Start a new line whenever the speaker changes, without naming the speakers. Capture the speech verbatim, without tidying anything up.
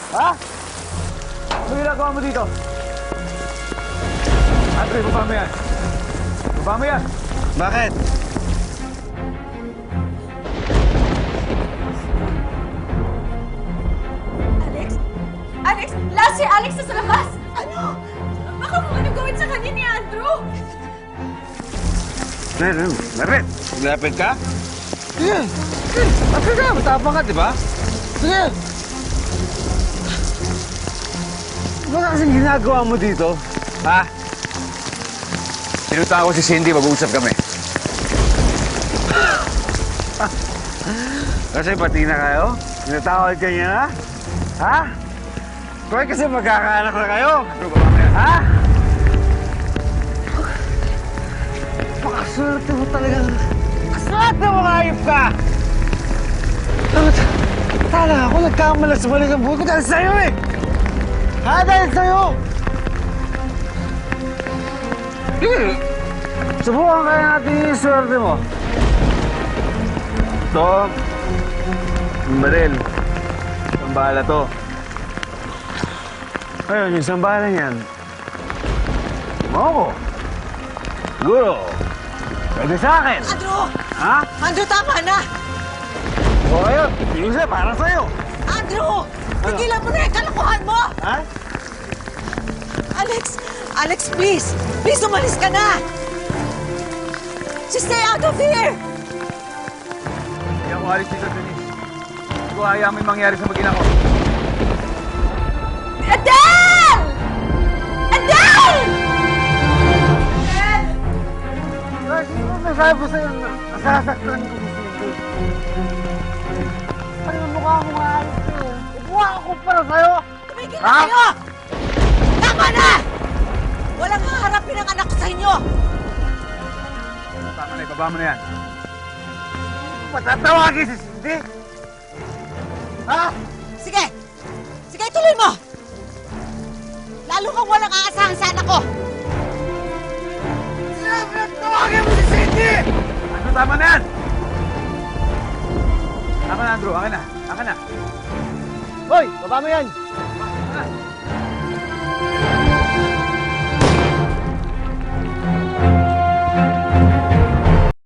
Ha? Ano ginagawa mo dito? Andre, baba mo yan. Baba mo yan.
Bakit?
Alex? Alex? Last si Alex na sa labas! Ano? Baka kung ano gawin sa kanya ni Andrew?
Meron, meron. Lapit ka? Sige. Sige. Lapit ka. Matapang ka, di ba? Sige. Ano ka kasing ginagawa mo dito? Ha? Pinunta ko si Cindy, mag-uusap kami. Kasi pati na kayo? Pinatawad ka niya na? Ha? Kaya kasi magkakaanak na kayo? Ha? Pakaswerte mo talaga. Kaswerte mo, hayop ka! Tala ako, nagkamalas-malas ang buhay ko dahil sa'yo eh! Ha? Dahil sa'yo! Sige! Subukan kaya natin yung swerte mo. Ito, yung baril. Sambala to. Ayun, yung sambala niyan. Moko. Siguro. Pwede sa akin.
Andrew!
Ha?
Andrew, tama na!
O ayun, tingin siya para sa'yo.
Andrew! Tigilan mo na yung kalokohan mo!
Ha?
Alex! Alex, please! Please, umalis ka na! Just stay out of here!
Hindi ako alis dito, Denise. Hindi ko hayaan may mangyari sa mag-ina ko.
Adele! Adele!
Lagi mo nasabi ko sa'yo na nasasaktan ko si Cindy. Ano yung mukha mo nga ayos ko? Ibuha ako para sa'yo!
Tumigil na kayo! Tama na! Walang haharapin ang anak ko sa inyo!
Tama na, ibaba mo na yan.
Patatawagin si Cindy? Ha?
Sige! Sige, tuloy mo! Lalo kang walang aasahan sa anak ko!
Siyempre, tawagin mo si Cindy!
Ano, tama na yan! Tama na, Andrew. Akin na. Akin na.
Hoy, baba mo yan!
Tama na.